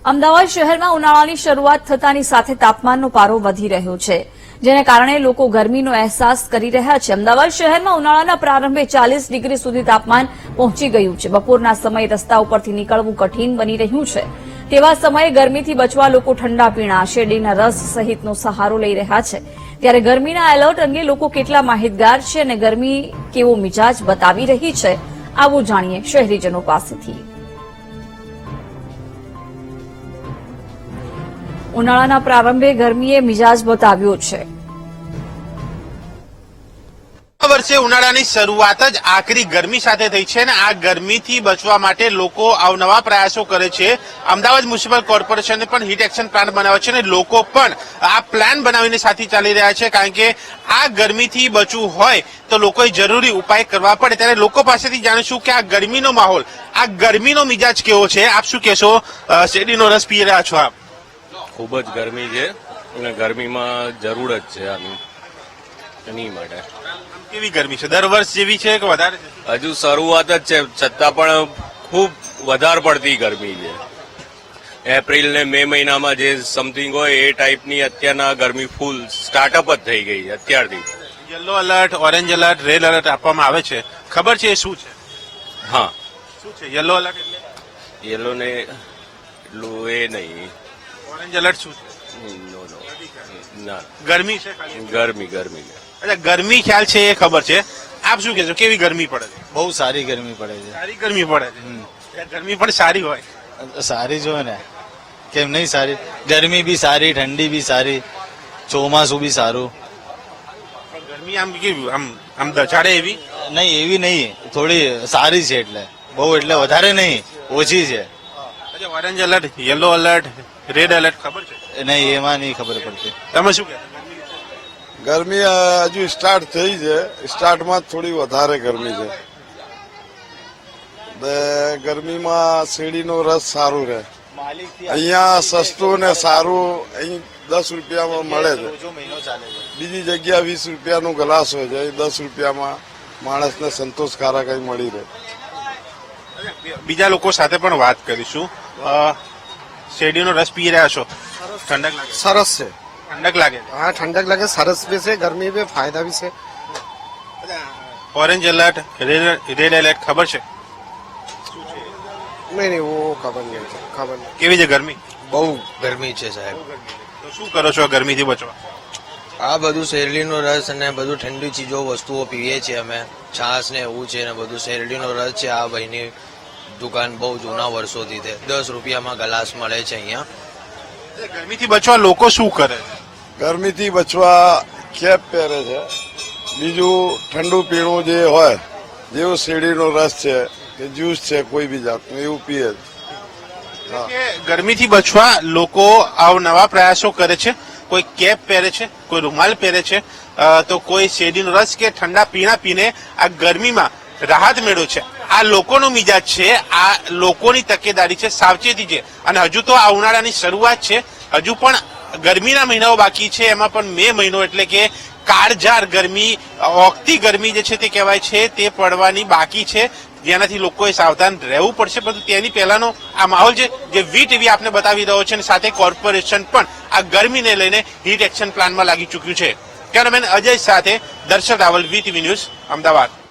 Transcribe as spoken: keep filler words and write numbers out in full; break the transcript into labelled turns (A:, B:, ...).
A: અમદાવાદ શહેરમાં ઉનાળાની શરૂઆત થતાની સાથે તાપમાનનો પારો વધી રહ્યો છે, જેને કારણે લોકો ગરમીનો અહેસાસ કરી રહ્યા છે. અમદાવાદ શહેરમાં ઉનાળાના પ્રારંભે ચાલીસ ડિગ્રી સુધી તાપમાન પહોંચી ગયું છે. બપોરના સમયે રસ્તા ઉપરથી નીકળવું કઠિન બની રહ્યું છે. તેવા સમયે ગરમીથી બચવા લોકો ઠંડા પીણા, શેરડીના રસ સહિતનો સહારો લઈ રહ્યા છે. ત્યારે ગરમીના એલર્ટ અંગે લોકો કેટલા માહિતગાર છે અને ગરમી કેવો મિજાજ બતાવી રહી છે, આવું જાણીએ શહેરીજનો પાસેથી. ઉનાળાના પ્રારંભે ગરમીએ મિજાજ બતાવ્યો છે.
B: આ વર્ષે ઉનાળાની શરૂઆત જ આકરી ગરમી સાથે થઈ છે અને આ ગરમીથી બચવા માટે લોકો અવનવા પ્રયાસો કરે છે. અમદાવાદ મ્યુનિસિપલ કોર્પોરેશને પણ હીટ એક્શન પ્લાન બનાવ્યો છે અને લોકો પણ આ પ્લાન બનાવીને સાથે ચાલી રહ્યા છે, કારણ કે આ ગરમીથી બચવું હોય તો લોકોએ જરૂરી ઉપાય કરવા પડે. ત્યારે લોકો પાસેથી જાણીશું કે આ ગરમીનો માહોલ, આ ગરમીનો મિજાજ કેવો છે. આપ શું કહેશો? શેરડીનો રસ પી રહ્યા છો આપ?
C: ખૂબ જ ગરમી છે અને ગરમીમાં જરૂર જ છે આની એની માટે.
B: કેવી ગરમી છે? દર વર્ષ જેવી છે કે વધારે છે?
C: હજુ શરૂઆત જ છે, છતાં પણ ખૂબ વધારે પડતી ગરમી છે. એપ્રિલ ને મે મહિનામાં જે સમથિંગ હોય એ ટાઈપની અત્યારના ગરમી ફૂલ સ્ટાર્ટઅપ જ થઈ ગઈ અત્યારથી.
B: Yellow alert, orange alert, red alert આપવામાં આવે છે, ખબર છે એ શું છે?
C: હા,
B: શું છે યલો એલર્ટ? એટલે
C: યેલો ને એટલું એ નહીં.
B: ઓરેન્જ એલર્ટ શું છે?
C: નો નો ના,
B: ગરમી છે ખાલી?
C: ગરમી ગરમી
B: અચ્છા, ગરમી ખ્યાલ છે એ ખબર છે. આપ શું કહેશો, કેવી ગરમી પડે છે?
D: બહુ સારી ગરમી પડે છે.
B: સારી ગરમી પડે છે. ગરમી પણ સારી હોય?
D: સારી જો ને, કેમ નહીં સારી? ગરમી બી સારી, ઠંડી બી સારી, ચોમાસું બી સારું.
B: ગરમી આમ કેવી, આમ આમ દચાડે એવી
D: નહીં? એવી નહીં, થોડી સારી છે. એટલે બહુ એટલે વધારે નહીં, ઓછી છે.
B: અચ્છા, orange alert, yellow alert, red alert ખબર છે?
D: નહીં, એમાં નહીં ખબર પડતી.
B: તમે શું કહેશો?
E: ગરમી હજુ સ્ટાર્ટ થઈ છે, સ્ટાર્ટમાં થોડી વધારે ગરમી છે. ગરમીમાં શેરડીનો રસ સારું રહે. અહીંયા સસ્તું ને સારું અહીં દસ રૂપિયામાં મળે છે. બીજી જગ્યા વીસ રૂપિયાનું ગ્લાસ હોય છે, અહીં દસ રૂપિયામાં માણસને સંતોષકારક અહીં મળી રહે.
B: બીજા લોકો સાથે પણ વાત કરીશું. શેરડીનો રસ પી રહ્યા છો, ઠંડક લાગે?
F: સરસ છે.
B: ઠંડક લાગે?
F: હા, ઠંડક લાગે, સરસ બી છે, ગરમી બી, ફાયદા બી છે.
B: ઓરેન્જ એલર્ટ, રેડ એલર્ટ ખબર છે?
F: નહીં નહીં, વો ખબર નહીં, ખબર નહીં.
B: કેવી છે ગરમી?
G: બહુ ગરમી છે સાહેબ.
B: તો શું કરો છો ગરમીથી બચવા?
G: આ બધું શેરડીનો રસ અને બધું ઠંડી ચીજો વસ્તુઓ પીએ છીએ અમે. છાશ ને એવું છે ને બધું. શેરડીનો રસ છે, આ ભાઈની દુકાન બહુ જૂના વર્ષોથી છે. દસ રૂપિયામાં ગ્લાસ મળે છે અહીંયા.
B: ગરમીથી બચવા લોકો શું કરે?
E: ગરમીથી બચવા કેપ પહેરે છે. બીજું ઠંડુ પીણું જે હોય, જેવું શેરડીનો રસ છે કે જ્યુસ છે કોઈ બી જાતનું, એવું પીએ.
B: ગરમીથી બચવા લોકો અવનવા પ્રયાસો કરે છે. કોઈ કેપ પહેરે છે, કોઈ રૂમાલ પહેરે છે, તો કોઈ શેરડીનો રસ કે ઠંડા પીણા પીને આ ગરમીમાં રાહત મેળવે છે. આ લોકોનો મિજાજ છે, આ લોકોની તકેદારી છે, સાવચેતી છે. અને હજુ તો આ ઉનાળાની શરૂઆત છે, હજુ પણ ગરમીના મહિનાઓ બાકી છે. એમાં પણ મે મહિનો એટલે કે કાળઝાળ ગરમી, ઓગતી ગરમી જે છે તે કહેવાય છે, તે પડવાની બાકી છે, જેનાથી લોકોએ સાવધાન રહેવું પડશે. પરંતુ તેની પહેલાનો આ માહોલ છે જે વી ટીવી આપને બતાવી રહ્યો છે અને સાથે કોર્પોરેશન પણ આ ગરમીને લઈને હીટ એક્શન પ્લાનમાં લાગી ચૂક્યું છે. કેમેરામેન અજય સાથે Darshak Raval, V TV news, Ahmedabad.